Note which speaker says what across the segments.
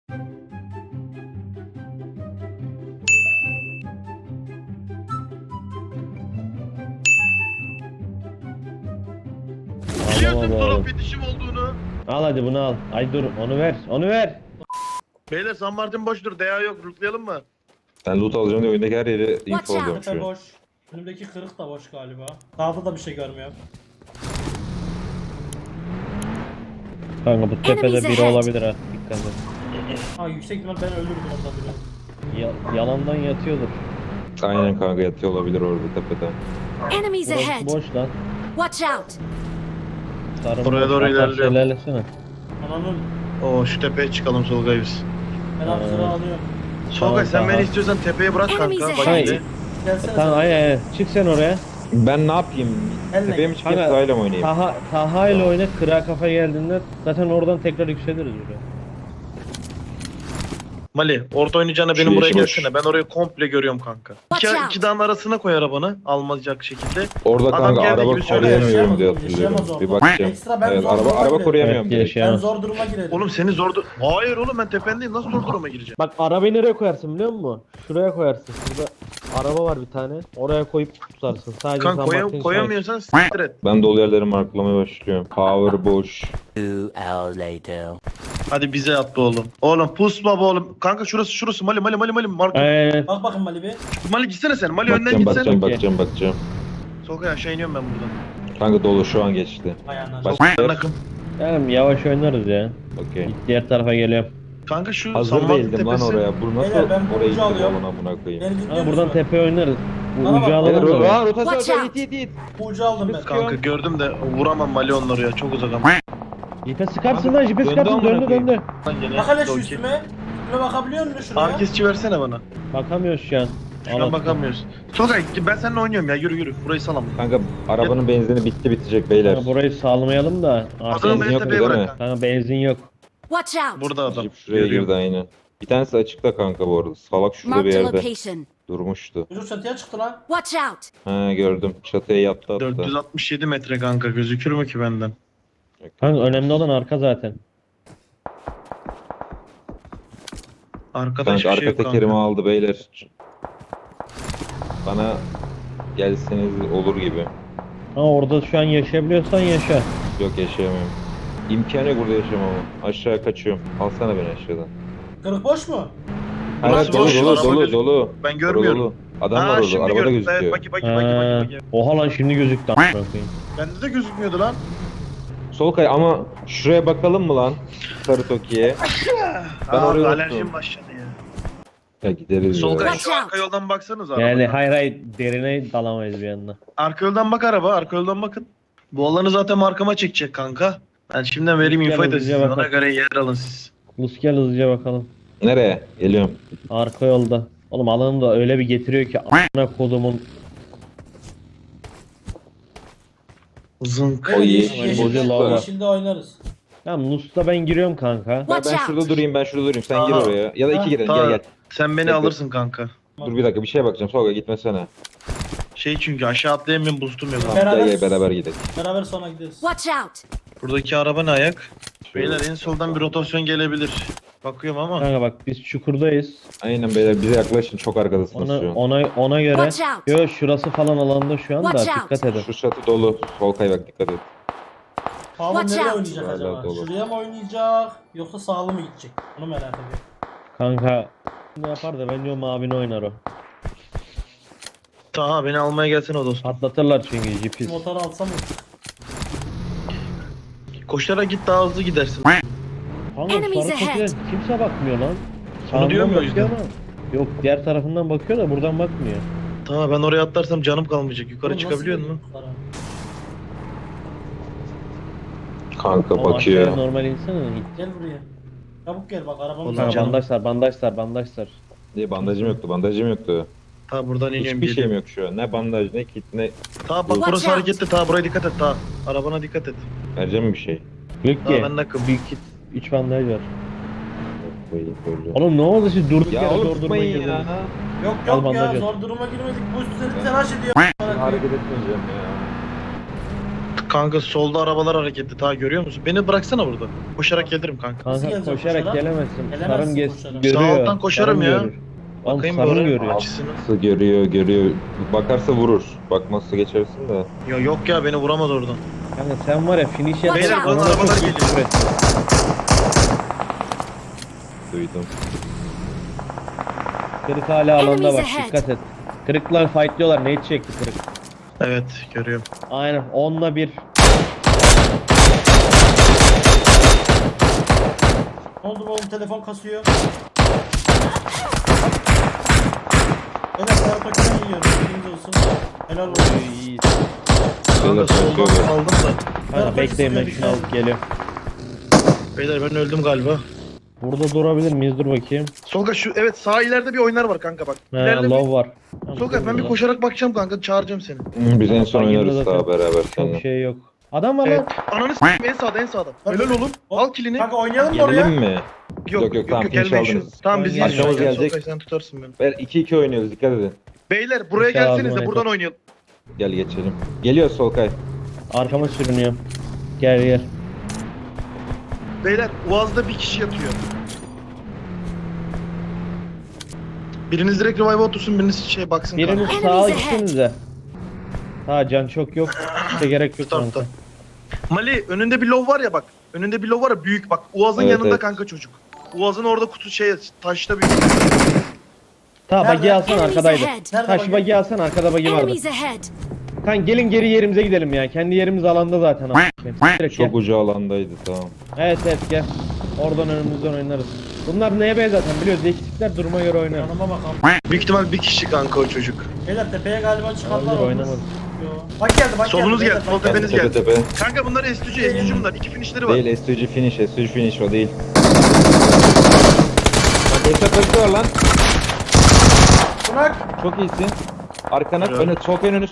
Speaker 1: Biliyorsun
Speaker 2: Tamam
Speaker 1: drop
Speaker 2: oğlum.
Speaker 1: bitişim olduğunu.
Speaker 2: Al hadi bunu al. Ay dur onu ver. Onu ver.
Speaker 1: Beyler San Martin boştur. DA yok. Lootlayalım mı?
Speaker 3: Ben loot alacağım diye oyundaki her yeri
Speaker 4: Watch
Speaker 3: info alıyorum
Speaker 4: out.
Speaker 3: şu
Speaker 5: Tepe
Speaker 3: an.
Speaker 5: boş. Önümdeki kırık da boş galiba. Sağda da bir şey görmüyorum.
Speaker 2: Kanka bu tepede
Speaker 4: Enemies
Speaker 2: biri
Speaker 4: ahead.
Speaker 2: olabilir ha. Dikkat et.
Speaker 5: Ha yüksek ihtimal ben ölürdüm ondan bile.
Speaker 2: Yalandan yatıyordur.
Speaker 3: Aynen kanka yatıyor olabilir orada tepede.
Speaker 4: Enemies
Speaker 2: Burası
Speaker 4: ahead.
Speaker 2: boş lan.
Speaker 4: Watch out.
Speaker 2: Sarı
Speaker 1: Oraya
Speaker 2: boş.
Speaker 1: doğru
Speaker 2: Hatta
Speaker 1: ilerliyorum.
Speaker 2: ilerlesene.
Speaker 5: Ananın
Speaker 1: Oo şu tepeye çıkalım Solgay biz.
Speaker 5: ben hapsını alıyorum.
Speaker 1: Solgay sen
Speaker 2: tamam.
Speaker 1: beni istiyorsan tepeye bırak kanka.
Speaker 4: Enemies
Speaker 1: Bak
Speaker 4: ahead.
Speaker 1: şimdi.
Speaker 5: Gelsene
Speaker 2: Tamam
Speaker 5: sen.
Speaker 2: ay çık sen oraya.
Speaker 3: Ben ne yapayım?
Speaker 5: Elle.
Speaker 3: Tepeye mi çıkayım
Speaker 2: Kanka,
Speaker 3: sahile mi oynayayım?
Speaker 2: Taha ile oyna, kıra kafa geldiğinde zaten oradan tekrar yükseliriz buraya.
Speaker 1: Mali orta oynayacağına benim
Speaker 3: Şu
Speaker 1: buraya
Speaker 3: yeşil boş.
Speaker 1: gelsene. Ben orayı komple görüyorum kanka.
Speaker 4: Watch out.
Speaker 1: İki dağın arasına koy arabanı. Almayacak şekilde.
Speaker 3: Orada
Speaker 1: Adam
Speaker 3: kanka
Speaker 1: geldiği
Speaker 3: araba
Speaker 1: gibi söyle.
Speaker 3: koruyamıyorum diye
Speaker 5: Yaşayamaz,
Speaker 3: hatırlıyorum.
Speaker 5: yaşayamaz
Speaker 3: Bir
Speaker 5: orada.
Speaker 3: bakacağım.
Speaker 5: Ekstra ben
Speaker 3: Evet,
Speaker 5: zor
Speaker 3: araba
Speaker 5: duruma
Speaker 3: koruyamıyorum
Speaker 2: Evet,
Speaker 3: direkt.
Speaker 2: yaşayamaz.
Speaker 5: Ben zor duruma girerim.
Speaker 1: Oğlum seni Hayır oğlum ben tependeyim. Nasıl zor duruma gireceğim?
Speaker 2: Bak arabayı nereye koyarsın biliyor musun? Şuraya koyarsın. Şurada araba var bir tane. Oraya koyup tutarsın. Sadece
Speaker 1: Kanka
Speaker 2: San Martin
Speaker 1: koyamıyorsan s**tir et.
Speaker 3: Ben dolu yerleri marklamaya başlıyorum. Power boş.
Speaker 6: 2 hours later.
Speaker 1: Hadi bize at be oğlum. Oğlum pusma be oğlum. Kanka şurası Mali. Marka.
Speaker 2: Aynen.
Speaker 5: Bak bakın Mali bir.
Speaker 1: Mali gitsene sen. Mali önden
Speaker 3: Bakacağım
Speaker 1: gitsene.
Speaker 3: bakacağım.
Speaker 1: Solgay aşağı iniyorum ben buradan.
Speaker 3: Kanka dolu şu an geçti.
Speaker 5: Ayağına.
Speaker 3: Bak-
Speaker 1: Ben akım.
Speaker 2: Tamam yavaş oynarız ya.
Speaker 3: Okey.
Speaker 2: Diğer tarafa geliyorum.
Speaker 1: Kanka şu
Speaker 3: Hazır
Speaker 1: San Martin
Speaker 3: değildim lan
Speaker 1: tepesi.
Speaker 3: oraya. Bu nasıl
Speaker 5: Beyler, ben bu
Speaker 3: oraya
Speaker 5: ucu
Speaker 3: gittim
Speaker 5: alıyorum.
Speaker 3: oğlum amına koyayım.
Speaker 5: Beni dinliyor
Speaker 2: Ha, buradan
Speaker 5: musun?
Speaker 2: tepe oynarız. Bu
Speaker 5: Bana
Speaker 2: ucu
Speaker 5: bak,
Speaker 2: alalım da.
Speaker 3: Aa
Speaker 4: Watch
Speaker 3: rotasyon
Speaker 4: out.
Speaker 3: it.
Speaker 5: Bu ucu aldım ben.
Speaker 1: Kanka gördüm de vuramam Mali onları ya. Çok uzak ama.
Speaker 2: Jipe sıkarsın lan jipe
Speaker 3: Döndü
Speaker 2: sıkarsın
Speaker 3: amına
Speaker 2: döndü
Speaker 3: koyayım.
Speaker 2: döndü.
Speaker 1: Lan gene.
Speaker 5: Bak hele şu
Speaker 1: Okey.
Speaker 5: üstüme. Üstüme bakabiliyor musun şuraya?
Speaker 1: Herkesçi versene bana.
Speaker 2: Bakamıyoruz şu an.
Speaker 1: Şuna bakamıyoruz. Solgay ben seninle oynuyorum ya. Yürü. Burayı salam.
Speaker 3: Kanka arabanın benzini bitecek beyler.
Speaker 2: Kanka burayı sağlamayalım da.
Speaker 1: Adamı
Speaker 2: Artık
Speaker 3: benzin
Speaker 1: beni
Speaker 3: yok
Speaker 1: tepeye
Speaker 3: değil mi?
Speaker 1: bırak kanka.
Speaker 2: kanka benzin yok.
Speaker 4: Watch out.
Speaker 1: Burada adam.
Speaker 3: Jeep şuraya
Speaker 1: Görüyorum.
Speaker 3: girdi aynen. Bir tanesi açıkta kanka bu arada. Salak şurada bir
Speaker 4: Marked a
Speaker 3: yerde
Speaker 4: location.
Speaker 3: durmuştu.
Speaker 5: Çocuk çatıya çıktı lan.
Speaker 4: Watch out.
Speaker 3: Ha gördüm. Çatıya yattı attı.
Speaker 1: 467 metre kanka. Gözükür mü ki benden?
Speaker 2: Kanka önemli olan arka zaten.
Speaker 1: Arkada
Speaker 3: Kanka
Speaker 1: hiçbir
Speaker 3: arka
Speaker 1: şey yok
Speaker 3: tekerimi
Speaker 1: kanka.
Speaker 3: aldı beyler. Bana gelseniz olur gibi.
Speaker 2: Ha orada şu an yaşayabiliyorsan yaşa.
Speaker 3: Yok yaşayamıyorum. İmkanı yok burada yaşamamın. Aşağı kaçıyorum. Alsana beni aşağıdan.
Speaker 5: Kırık boş mu?
Speaker 3: Hayır
Speaker 1: Burası
Speaker 3: dolu
Speaker 1: boş,
Speaker 3: dolu
Speaker 1: araba
Speaker 3: dolu
Speaker 1: gözüküyor.
Speaker 3: dolu.
Speaker 1: Ben görmüyorum.
Speaker 3: Dolu. Adam var
Speaker 1: Ha,
Speaker 3: orada.
Speaker 1: şimdi
Speaker 3: Arabada
Speaker 1: gördüm.
Speaker 3: gözüküyor.
Speaker 1: Evet, baki.
Speaker 2: Ha, oha lan şimdi gözüktü. a**ına koyayım.
Speaker 1: Bende de gözükmüyordu lan.
Speaker 3: Solkay ama şuraya bakalım mı lan? Sarı Toki'ye. Ben
Speaker 1: Aa,
Speaker 3: oraya
Speaker 1: alerjim
Speaker 3: unuttum.
Speaker 1: başladı ya.
Speaker 3: Ya gideriz
Speaker 1: Solkay
Speaker 3: ya.
Speaker 1: şu arka yoldan baksanız
Speaker 2: Yani
Speaker 1: arabaya.
Speaker 2: hayır derine dalamayız bir yandan.
Speaker 1: Arka yoldan bak araba. Arka yoldan bakın. Bu alanı zaten markama çekecek kanka. Ben şimdiden vereyim
Speaker 2: Gel
Speaker 1: infoyu da
Speaker 2: hızlıca
Speaker 1: siz ona
Speaker 2: bakalım.
Speaker 1: göre yer alın siz.
Speaker 2: Lus gel hızlıca bakalım.
Speaker 3: Nereye? Geliyorum.
Speaker 2: Arka yolda. Oğlum alanı da öyle bir getiriyor ki a**ına kodumun.
Speaker 1: Zınk.
Speaker 3: O
Speaker 5: yeşil,
Speaker 3: yeşil
Speaker 2: boşluk var.
Speaker 5: yeşilde oynarız.
Speaker 2: Tamam Lus'ta ben giriyorum kanka.
Speaker 4: Watch
Speaker 3: Ben
Speaker 4: out.
Speaker 3: şurada durayım Sen gir
Speaker 1: Aha.
Speaker 3: oraya. Ya da iki girin
Speaker 1: Tamam.
Speaker 3: gel.
Speaker 1: Sen beni
Speaker 3: Bekle.
Speaker 1: alırsın kanka.
Speaker 3: Dur bir dakika bir şeye bakacağım. Solkay gitmesene.
Speaker 1: Şey çünkü aşağı atlayamıyorum boostum yok.
Speaker 3: Tamam,
Speaker 5: Beraber-
Speaker 3: gel beraber gidelim.
Speaker 5: Beraber sonra gideriz.
Speaker 4: Watch out.
Speaker 1: Buradaki araba ne ayak? Beyler en soldan bir rotasyon gelebilir. Bakıyorum ama.
Speaker 2: Kanka bak biz çukurdayız.
Speaker 3: Aynen beyler bize yaklaşın çok arkadasınız
Speaker 2: Ona
Speaker 3: şu an.
Speaker 2: ona göre.
Speaker 4: Watch out.
Speaker 2: Yo şurası falan alanda şu anda
Speaker 4: Watch out.
Speaker 2: dikkat edin.
Speaker 3: Şu çatı dolu. Solkay bak dikkat et.
Speaker 5: Sağlı
Speaker 4: Watch
Speaker 5: nereye
Speaker 4: out.
Speaker 5: oynayacak
Speaker 3: Hala
Speaker 5: acaba?
Speaker 3: dolu.
Speaker 5: Şuraya mı oynayacak yoksa sağlı mı gidecek? Onu merak ediyorum.
Speaker 2: Kanka ne yapar da bence o mavini oynar o.
Speaker 1: Taha beni almaya gelsene o dostum.
Speaker 2: Patlatırlar çünkü jipi.
Speaker 5: Motoru alsam mı?
Speaker 1: Koşarak git daha hızlı gidersin.
Speaker 2: Kanka
Speaker 4: Enemies
Speaker 2: sarı
Speaker 4: ahead.
Speaker 2: çekilen kimse bakmıyor lan.
Speaker 1: Onu diyorum ya o
Speaker 2: bakıyor
Speaker 1: yüzden.
Speaker 2: ama. Yok diğer tarafından bakıyor da buradan bakmıyor.
Speaker 1: Tamam ben oraya atlarsam canım kalmayacak. Yukarı
Speaker 5: Oğlum,
Speaker 1: çıkabiliyor
Speaker 5: nasıl
Speaker 1: musun?
Speaker 5: yukarı?
Speaker 3: Kanka
Speaker 2: Ama aşağıya
Speaker 3: bakıyor.
Speaker 2: normal insene.
Speaker 5: Gel buraya. Çabuk gel bak arabamız
Speaker 1: Oğlum,
Speaker 5: var.
Speaker 2: Kanka
Speaker 1: canım.
Speaker 2: bandaj sar.
Speaker 3: Diye bandajım yoktu.
Speaker 1: Ta buradan iniyorum.
Speaker 3: Hiçbir şeyim yok şu an. Ne bandaj ne kit ne.
Speaker 1: Ta bak
Speaker 4: Watch
Speaker 1: burası
Speaker 4: out.
Speaker 1: hareketli. Ta buraya dikkat et ta. Arabana dikkat et.
Speaker 3: Vereceğim mi bir şey?
Speaker 2: Yok
Speaker 1: Ta
Speaker 2: ki.
Speaker 1: ben nakım.
Speaker 2: Büyük kit. 3 bandaj var.
Speaker 3: Koyayım böyle.
Speaker 2: Oğlum ne oldu siz durduk
Speaker 3: Ya
Speaker 2: yere
Speaker 3: oğlum
Speaker 2: zor duruma
Speaker 3: tutmayın
Speaker 2: girdiniz.
Speaker 3: ya.
Speaker 5: Yok
Speaker 2: Al
Speaker 5: yok ya
Speaker 2: bandaj at.
Speaker 5: zor duruma girmedik. Bu üstleri telaş ediyor.
Speaker 3: Hareket etmeyeceğim ya.
Speaker 1: Kanka solda arabalar hareketli. Ta görüyor musun? Beni bıraksana burada. Koşarak gelirim kanka.
Speaker 5: Nasıl
Speaker 2: Kanka
Speaker 5: gelecek
Speaker 2: koşarak
Speaker 5: koşarak?
Speaker 2: gelemezsin.
Speaker 5: Gelemezsin
Speaker 2: Sarım
Speaker 5: koşarak.
Speaker 2: görüyor.
Speaker 1: Sağ alttan koşarım
Speaker 2: sarım
Speaker 1: ya.
Speaker 2: görür. Oğlum
Speaker 1: Bakayım
Speaker 2: sarım
Speaker 1: böyle
Speaker 2: görüyor.
Speaker 1: açısını.
Speaker 3: Nasıl görüyor. Bakarsa vurur. Bakmazsa geçersin de.
Speaker 1: Yok ya beni vuramaz oradan.
Speaker 2: Kanka sen var ya finish yap.
Speaker 4: Beyler,
Speaker 1: bana
Speaker 2: Bana
Speaker 1: arabalar
Speaker 2: çok iyi
Speaker 1: geliyor.
Speaker 2: küfür ettin.
Speaker 3: Duydum.
Speaker 2: Kırık hala alanda
Speaker 4: Enemies
Speaker 2: bak
Speaker 4: ahead.
Speaker 2: dikkat et. Kırıklar fightlıyorlar. Nate çekti kırık.
Speaker 1: Evet görüyorum.
Speaker 2: Aynen 10'la 1.
Speaker 5: Ne oldu oğlum, telefon kasıyor. Beyler sarı tokiden yiyorum. Bilginiz olsun. Helal olsun.
Speaker 2: İyi.
Speaker 1: Kanka soldan
Speaker 3: kaçıyor.
Speaker 1: aldım da.
Speaker 2: Kanka bekleyin ben şunu alıp geliyorum.
Speaker 1: Beyler ben öldüm galiba.
Speaker 2: Burada durabilir miyiz? Dur bakayım.
Speaker 1: Solga şu evet sağ ileride bir oynar var kanka bak.
Speaker 2: He,
Speaker 1: İleride
Speaker 2: low var. Tamam,
Speaker 1: Solga ben bir
Speaker 2: burada.
Speaker 1: koşarak bakacağım kanka çağıracağım seni.
Speaker 3: Biz en son
Speaker 2: Bagilde
Speaker 3: oynarız
Speaker 2: zaten
Speaker 3: daha beraber
Speaker 2: Çok
Speaker 3: seninle.
Speaker 2: şey yok. Adam var
Speaker 1: Evet.
Speaker 2: lan.
Speaker 1: Ananı s**eyim en sağda en sağda. Helal oğlum. Al kilini.
Speaker 5: Kanka oynayalım mı oraya?
Speaker 3: Gelelim mi? Yok, tamam, finish
Speaker 1: gelmeyin şu.
Speaker 3: aldınız.
Speaker 1: Tamam biz
Speaker 2: Arkamız
Speaker 1: izliyoruz.
Speaker 3: gelecek.
Speaker 1: Solga sen tutarsın beni.
Speaker 3: Ver 2-2 oynuyoruz, dikkat edin.
Speaker 1: Beyler buraya
Speaker 2: İnşallah
Speaker 1: gelseniz de
Speaker 2: aldım
Speaker 1: buradan
Speaker 2: oyunu.
Speaker 1: oynayalım.
Speaker 3: Gel geçelim. Geliyor Solkay.
Speaker 2: Arkama sürünüyorum. Gel.
Speaker 1: Beyler Uaz'da bir kişi yatıyor. Biriniz direkt revive otursun, biriniz şey baksın
Speaker 2: Biriniz
Speaker 1: kanka.
Speaker 2: sağa
Speaker 4: Enemies ahead.
Speaker 2: gitsenize. Ha can çok yok. İşte gerek yok
Speaker 1: Startta.
Speaker 2: kanka.
Speaker 1: Mali önünde bir low var ya bak. Önünde bir low var ya büyük bak. Uaz'ın
Speaker 3: Evet,
Speaker 1: yanında
Speaker 3: evet.
Speaker 1: kanka çocuk. Uaz'ın orada kutu şey taşta büyük.
Speaker 2: Ta
Speaker 5: Nerede?
Speaker 2: bagi alsan
Speaker 4: Enemies
Speaker 2: arkadaydı.
Speaker 4: ahead.
Speaker 5: Nerede
Speaker 2: Ta şu
Speaker 5: bagi?
Speaker 2: bagi alsan arkada bagi vardı.
Speaker 4: Enemies ahead.
Speaker 2: Kan gelin geri yerimize gidelim ya. Kendi yerimiz alanda zaten. Direkt gel.
Speaker 3: Çok ucu alandaydı, tamam.
Speaker 2: Evet gel. Oradan önümüzden oynarız. Bunlar NB zaten biliyoruz. Eksikler duruma göre oynar.
Speaker 5: Yanıma bakalım.
Speaker 1: Büyük ihtimal bir kişi kanka o çocuk.
Speaker 5: Beyler tepeye galiba çıkarlar
Speaker 2: Olabilir,
Speaker 5: olmaz.
Speaker 2: oynamadı.
Speaker 5: Yo. Bak geldi bak
Speaker 1: Solunuz
Speaker 5: geldi.
Speaker 1: geldi,
Speaker 5: beyler,
Speaker 1: sol
Speaker 5: bak
Speaker 1: tepeniz
Speaker 3: Tepe
Speaker 1: geldi.
Speaker 3: tepe.
Speaker 1: Kanka bunlar S2C bunlar. İki finishleri var.
Speaker 3: Değil, STG finish o değil. Bak hesap var lan.
Speaker 5: Bırak.
Speaker 3: Çok iyisin. Arkana,
Speaker 1: Evet.
Speaker 3: önü, sol önünü.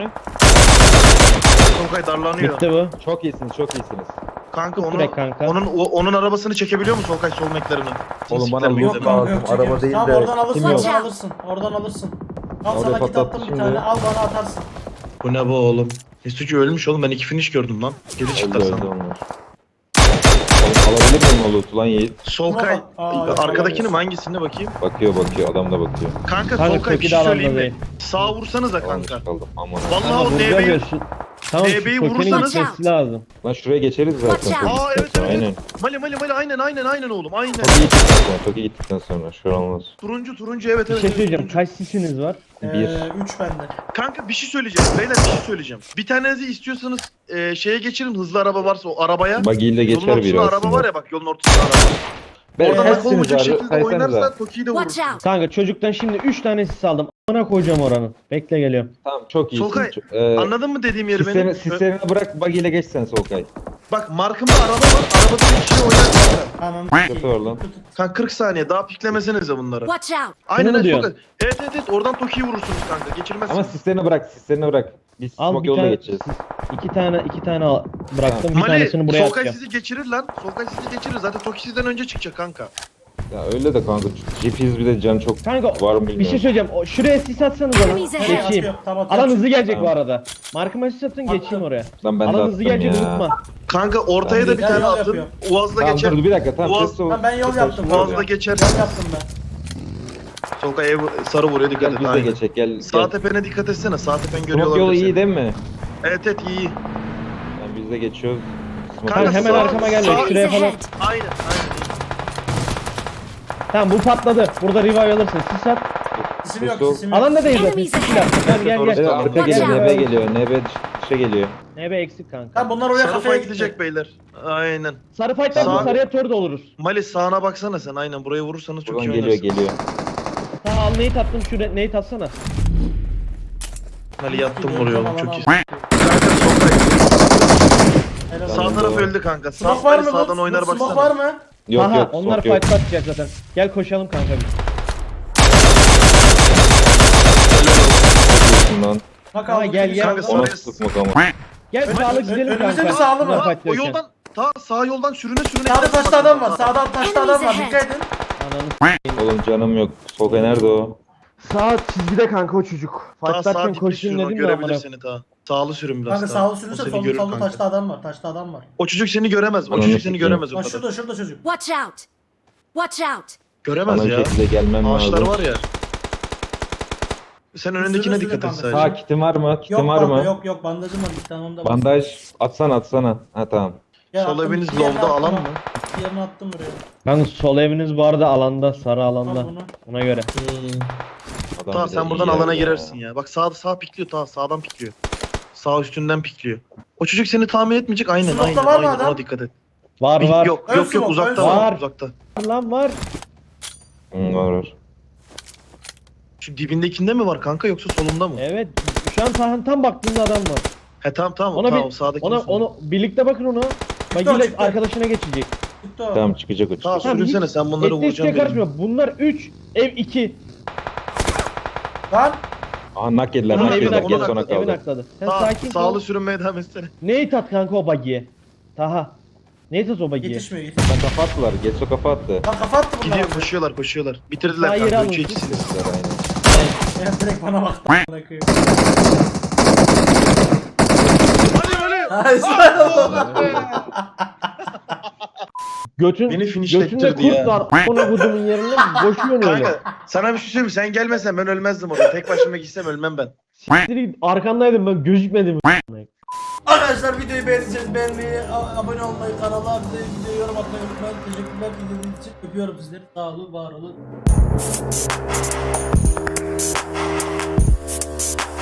Speaker 1: Solkay darlanıyor.
Speaker 2: Bitti bu.
Speaker 3: Çok iyisiniz.
Speaker 1: Kanka
Speaker 2: Direkt kanka.
Speaker 1: onun arabasını çekebiliyor mu Solkay sol meklerini?
Speaker 3: Oğlum bana
Speaker 1: Siktir
Speaker 3: yok
Speaker 1: mi?
Speaker 5: Kanka
Speaker 3: lazım, araba
Speaker 5: çekiyoruz.
Speaker 3: değil
Speaker 5: Tamam
Speaker 3: de
Speaker 5: oradan alırsın,
Speaker 3: kim yok?
Speaker 5: oradan alırsın. Oradan alırsın. Al
Speaker 3: Oraya
Speaker 5: sana kit
Speaker 3: patlattı
Speaker 5: attım bir
Speaker 3: şimdi.
Speaker 5: tane, al bana atarsın.
Speaker 1: Bu ne bu oğlum? S2C ölmüş oğlum, ben iki finish gördüm lan. Geri çıktı
Speaker 3: Öldü
Speaker 1: sana.
Speaker 3: onlar. Oğlum alabilir miyim o loot'u lan Yiğit?
Speaker 1: Solkay
Speaker 5: Aa, yok,
Speaker 1: arkadakini mi
Speaker 5: yok.
Speaker 1: hangisine bakayım?
Speaker 3: Bakıyor, adam da bakıyor.
Speaker 1: Kanka
Speaker 2: Kanka
Speaker 1: Solkay bir
Speaker 2: Toki de
Speaker 1: şey
Speaker 2: alanda
Speaker 1: söyleyeyim mi?
Speaker 2: değil.
Speaker 1: Sağ vursanıza kanka.
Speaker 3: Yanlış kaldım, aman.
Speaker 1: Vallahi
Speaker 2: Kanka
Speaker 1: o
Speaker 2: vuracağız ya
Speaker 1: DB'yi...
Speaker 2: şu. Tamam şu
Speaker 1: DB'yi
Speaker 2: Toki'nin
Speaker 1: vurursanız-
Speaker 2: gitmesi lazım.
Speaker 3: Lan şuraya geçeriz zaten.
Speaker 4: Watch out.
Speaker 1: Aa evet
Speaker 3: Aynen.
Speaker 1: evet. Mali aynen oğlum aynen.
Speaker 3: Toki gittikten sonra şu an olmaz.
Speaker 1: Turuncu evet
Speaker 2: Bir
Speaker 1: evet.
Speaker 2: şey
Speaker 1: evet,
Speaker 2: söyleyeceğim.
Speaker 1: turuncu.
Speaker 2: Kaç sisiniz var?
Speaker 3: 1.
Speaker 5: 3 bende.
Speaker 1: Kanka bir şey söyleyeceğim. Beyler bir şey söyleyeceğim. Bir tanenizi istiyorsanız şeye geçirin, hızlı araba varsa o arabaya.
Speaker 3: Buggy ile
Speaker 1: Yolun
Speaker 3: geçer biri
Speaker 1: ortasında araba var
Speaker 3: aslında.
Speaker 1: ya bak, yolun ortasında araba.
Speaker 3: Ben
Speaker 1: Oradan akıl
Speaker 3: kaçsınız
Speaker 1: olacak
Speaker 3: abi?
Speaker 1: şekilde
Speaker 3: Saysanıza.
Speaker 1: oynarsa Toki'yi de
Speaker 4: Watch
Speaker 1: vurur.
Speaker 4: out.
Speaker 2: Kanka çocuktan şimdi 3 tane sis aldım. Amına koyacağım oranın. Bekle geliyorum.
Speaker 3: Tamam, çok iyisin.
Speaker 1: Solkay,
Speaker 3: Ee,
Speaker 1: Anladın mı dediğim yeri benim?
Speaker 3: Sislerini bırak, buggy ile geç sen Solkay.
Speaker 1: Bak markımda araba var. Arabada bir kişi oynar kanka.
Speaker 5: Ananı
Speaker 3: Kötü var lan.
Speaker 1: Kanka 40 saniye daha piklemesenize bunları.
Speaker 4: Watch out.
Speaker 1: Aynen
Speaker 2: Şunu mu
Speaker 1: öyle
Speaker 2: diyorsun?
Speaker 1: Solkay. Evet oradan Toki'yi vurursunuz kanka. Geçirmezsiniz.
Speaker 3: Ama sislerini bırak. Biz
Speaker 2: Al
Speaker 3: smoke
Speaker 2: bir
Speaker 3: yolda
Speaker 2: tane.
Speaker 3: geçeceğiz.
Speaker 2: İki tane bıraktım. Bir
Speaker 1: Mali
Speaker 2: tanesini buraya
Speaker 1: Solkay
Speaker 2: atacağım.
Speaker 1: sizi geçirir lan. Solkay sizi geçirir. Zaten Toki sizden önce çıkacak kanka.
Speaker 3: Ya öyle de kanka. GP'yiz bir de can çok
Speaker 2: Kanka
Speaker 3: var mı bilmiyorum.
Speaker 2: bir şey söyleyeceğim. Şuraya sis atsanız bana.
Speaker 4: Enemies ahead.
Speaker 2: Geçeyim.
Speaker 5: Atıyorum, tamam, atıyorum.
Speaker 2: Alan hızlı gelecek bu
Speaker 3: Tamam.
Speaker 2: arada. Markıma sis atın geçeyim
Speaker 5: Attım.
Speaker 2: oraya.
Speaker 3: Lan ben de
Speaker 2: Alan hızlı
Speaker 3: attım
Speaker 2: gelecek
Speaker 3: ya.
Speaker 2: unutma.
Speaker 1: Kanka ortaya
Speaker 5: Ben
Speaker 1: da bir
Speaker 5: de
Speaker 1: tane
Speaker 5: yol
Speaker 1: atın.
Speaker 5: yapıyorum.
Speaker 1: Uaz'la
Speaker 3: Tamam
Speaker 1: geçer.
Speaker 3: dur bir dakika, tamam.
Speaker 1: Boğaz-
Speaker 3: ses ol-
Speaker 5: Ben yol
Speaker 3: ses
Speaker 5: yaptım.
Speaker 3: olsun.
Speaker 1: Uaz'la geçer.
Speaker 5: Yol yaptım ben.
Speaker 1: Solkay sarı vuruyor, dikkat
Speaker 3: Gel
Speaker 1: et.
Speaker 3: biz de
Speaker 1: aynen.
Speaker 3: geçecek, gel.
Speaker 1: Sağ
Speaker 3: gel.
Speaker 1: tepene dikkat etsene. Sağ tepen görüyor
Speaker 3: Smoke yolu
Speaker 1: olabilir
Speaker 3: iyi
Speaker 1: seni.
Speaker 3: değil mi?
Speaker 1: Evet iyi.
Speaker 3: Yani biz de geçiyoruz. Smoke
Speaker 1: Kanka,
Speaker 2: Hemen
Speaker 1: sağ-
Speaker 2: arkama gelme.
Speaker 1: sağ-
Speaker 2: Şuraya falan.
Speaker 4: Enemies ahead.
Speaker 1: Aynen.
Speaker 2: Tamam bu patladı. Burada revive alırsın. Sis at.
Speaker 5: Sesim yok,
Speaker 3: Sol.
Speaker 5: sesim yok.
Speaker 2: Alanda değil zaten.
Speaker 4: Enemies
Speaker 2: Sis
Speaker 4: ahead.
Speaker 2: at. Tamam gel
Speaker 1: Orası
Speaker 2: gel.
Speaker 1: da
Speaker 3: arka
Speaker 4: Watch
Speaker 3: geliyor,
Speaker 4: out.
Speaker 3: NB geliyor. NB dışa geliyor.
Speaker 2: NB eksik kanka.
Speaker 5: Tamam bunlar oraya
Speaker 1: Sarı
Speaker 5: kafaya
Speaker 1: fay
Speaker 5: gidecek.
Speaker 1: gidecek beyler. Aynen.
Speaker 2: Sarı fight'tan
Speaker 1: Sağ-
Speaker 2: sarıya tör de oluruz.
Speaker 1: Mali sağına baksana sen, aynen buraya vurursanız çok
Speaker 3: Buradan
Speaker 1: iyi
Speaker 3: geliyor,
Speaker 1: oynarsın.
Speaker 2: Tamam al nate attım. Şuraya nate atsana.
Speaker 1: Mali yattım vuruyor oğlum, çok iyi.
Speaker 5: Helal
Speaker 1: Sağ
Speaker 5: olsun.
Speaker 1: taraf öldü kanka. Sağ
Speaker 5: Smoke var mı?
Speaker 1: sağdan oynar
Speaker 5: Smoke
Speaker 1: baksana.
Speaker 5: var mı?
Speaker 3: Yok
Speaker 2: Aha,
Speaker 3: yok,
Speaker 2: onlar
Speaker 3: smoke yok.
Speaker 2: fight atacak zaten. Gel koşalım kanka biz.
Speaker 3: Lan.
Speaker 5: Bak
Speaker 2: Ha,
Speaker 5: aldım.
Speaker 2: gel, gel.
Speaker 1: Kanka
Speaker 3: Ona
Speaker 1: sarı-
Speaker 3: sıkmak ama.
Speaker 2: Gel sağlı gidelim
Speaker 5: önümüzde
Speaker 2: kanka.
Speaker 5: bir sağlı mı?
Speaker 2: Bunlar
Speaker 1: O
Speaker 2: fightlıyorken.
Speaker 1: yoldan sağ yoldan sürüne
Speaker 5: Sağda
Speaker 1: gidersin
Speaker 5: taşta
Speaker 1: bak.
Speaker 5: adam var. Sağda taşta adam var.
Speaker 4: Enemies
Speaker 5: Dikkat edin.
Speaker 2: Ananı
Speaker 3: Oğlum canım yok. Solkay nerede o?
Speaker 2: Sağ çizgide kanka o çocuk.
Speaker 1: Daha
Speaker 2: Fightlarken
Speaker 1: sağ dipli
Speaker 2: koşayım
Speaker 1: sürün o
Speaker 2: dedim de
Speaker 1: görebilir
Speaker 2: amına.
Speaker 1: seni daha. Sağlı sürün biraz
Speaker 5: Kanka
Speaker 1: daha.
Speaker 5: sağlı
Speaker 1: O
Speaker 5: sürürse
Speaker 1: seni
Speaker 5: solda
Speaker 1: görür
Speaker 5: solda
Speaker 1: kanka.
Speaker 5: taşta adam var. Taşta adam var.
Speaker 1: O çocuk seni göremez. O
Speaker 3: Ananı
Speaker 1: çocuk seni
Speaker 3: sikeyim.
Speaker 1: göremez o
Speaker 5: Bak
Speaker 1: kadar.
Speaker 5: şurada çocuk.
Speaker 4: Watch out! Watch out!
Speaker 1: Göremez
Speaker 3: Bana bir
Speaker 1: ya.
Speaker 3: şekilde gelmem
Speaker 1: Ağaçlar
Speaker 3: lazım.
Speaker 1: var ya. Sen önündekine
Speaker 5: Sürü
Speaker 1: dikkat et
Speaker 5: kanka.
Speaker 1: sadece.
Speaker 3: Sağ kitim var mı? Kitim
Speaker 5: Yok
Speaker 3: var
Speaker 5: kanka
Speaker 3: mı?
Speaker 5: yok bandajım var bir tamam da.
Speaker 3: Bandaj atsana. Ha tamam.
Speaker 5: Ya
Speaker 1: Sol
Speaker 5: attım,
Speaker 1: eviniz
Speaker 5: diğerini
Speaker 1: lobda
Speaker 5: attım
Speaker 1: alan
Speaker 5: ha.
Speaker 1: mı?
Speaker 5: Diğerini attım buraya.
Speaker 2: Kanka sol eviniz bu arada alanda, sarı alanda.
Speaker 5: Al bunu.
Speaker 2: Ona göre.
Speaker 3: Adam
Speaker 1: Tamam
Speaker 3: bir de
Speaker 1: sen buradan
Speaker 3: iyi
Speaker 1: alana
Speaker 3: ya.
Speaker 1: girersin ya. Bak sağ pikliyor tamam sağdan pikliyor. Sağ üstünden pikliyor. O çocuk seni tahmin etmeyecek aynen
Speaker 5: Smoke'ta
Speaker 1: aynen
Speaker 5: var mı
Speaker 1: aynen
Speaker 5: adam?
Speaker 1: ona dikkat et.
Speaker 2: Var var.
Speaker 1: Yok
Speaker 5: Ön
Speaker 1: yok
Speaker 5: smoke,
Speaker 1: uzakta
Speaker 5: ön
Speaker 1: var
Speaker 2: smoke.
Speaker 1: uzakta.
Speaker 2: Lan var.
Speaker 3: Var.
Speaker 1: Şu dibindekinde mi var kanka yoksa solunda mı?
Speaker 2: Evet. Şu an tam baktığında adam var.
Speaker 1: He tamam
Speaker 2: Ona
Speaker 1: tamam
Speaker 2: bir
Speaker 1: sağdaki.
Speaker 2: onu birlikte bakın ona. Bagiyle
Speaker 5: çıktı.
Speaker 2: arkadaşına geçecek.
Speaker 5: Gitti o.
Speaker 3: Tamam çıkacak o
Speaker 1: Tamam
Speaker 3: çıkacak.
Speaker 1: sürünsene sen bunları
Speaker 2: Etli
Speaker 1: vuracaksın benim.
Speaker 2: karışmıyor. Bunlar 3, ev 2.
Speaker 5: Lan.
Speaker 3: Aha nak yediler
Speaker 2: Tamam,
Speaker 3: nak
Speaker 2: evin
Speaker 3: yediler.
Speaker 1: onu
Speaker 3: Geç
Speaker 2: akladı.
Speaker 3: sona
Speaker 1: akladı,
Speaker 2: Evin
Speaker 3: kaldı.
Speaker 2: akladı. Sen sakin
Speaker 1: Sağlı
Speaker 2: kal.
Speaker 1: sürünmeye devam etsene.
Speaker 2: Neyi tat kanka o bagiye? Taha. Neyi tat o bagiye?
Speaker 5: Yetişmiyor.
Speaker 3: Lan kafa attılar. Getso kafa attı.
Speaker 5: Lan kafa attı bunlar.
Speaker 1: Gidiyor koşuyorlar. Bitirdiler
Speaker 2: Sağ yeri
Speaker 1: kanka
Speaker 2: alın.
Speaker 1: 3'e 2'sini.
Speaker 3: Getso'lar aynen.
Speaker 5: Ya direkt bana baktı. Bırakıyor. Hadi
Speaker 2: Götün,
Speaker 1: Beni
Speaker 2: götünde
Speaker 1: finishlettirdi
Speaker 2: kurt
Speaker 1: ya.
Speaker 2: var. Ona kudumun yerine boşuyorsun öyle.
Speaker 1: Kanka sana bir şey söyleyeyim mi? Sen gelmesen ben ölmezdim orada. Tek başıma gitsem ölmem ben.
Speaker 2: Direkt arkandaydım ben gözükmedim.
Speaker 5: Arkadaşlar videoyu beğendiyseniz beğenmeyi, abone olmayı, kanala bir de videoya yorum atmayı unutmayın. Teşekkürler izlediğiniz için. Öpüyorum sizleri. Sağ olun, var olun.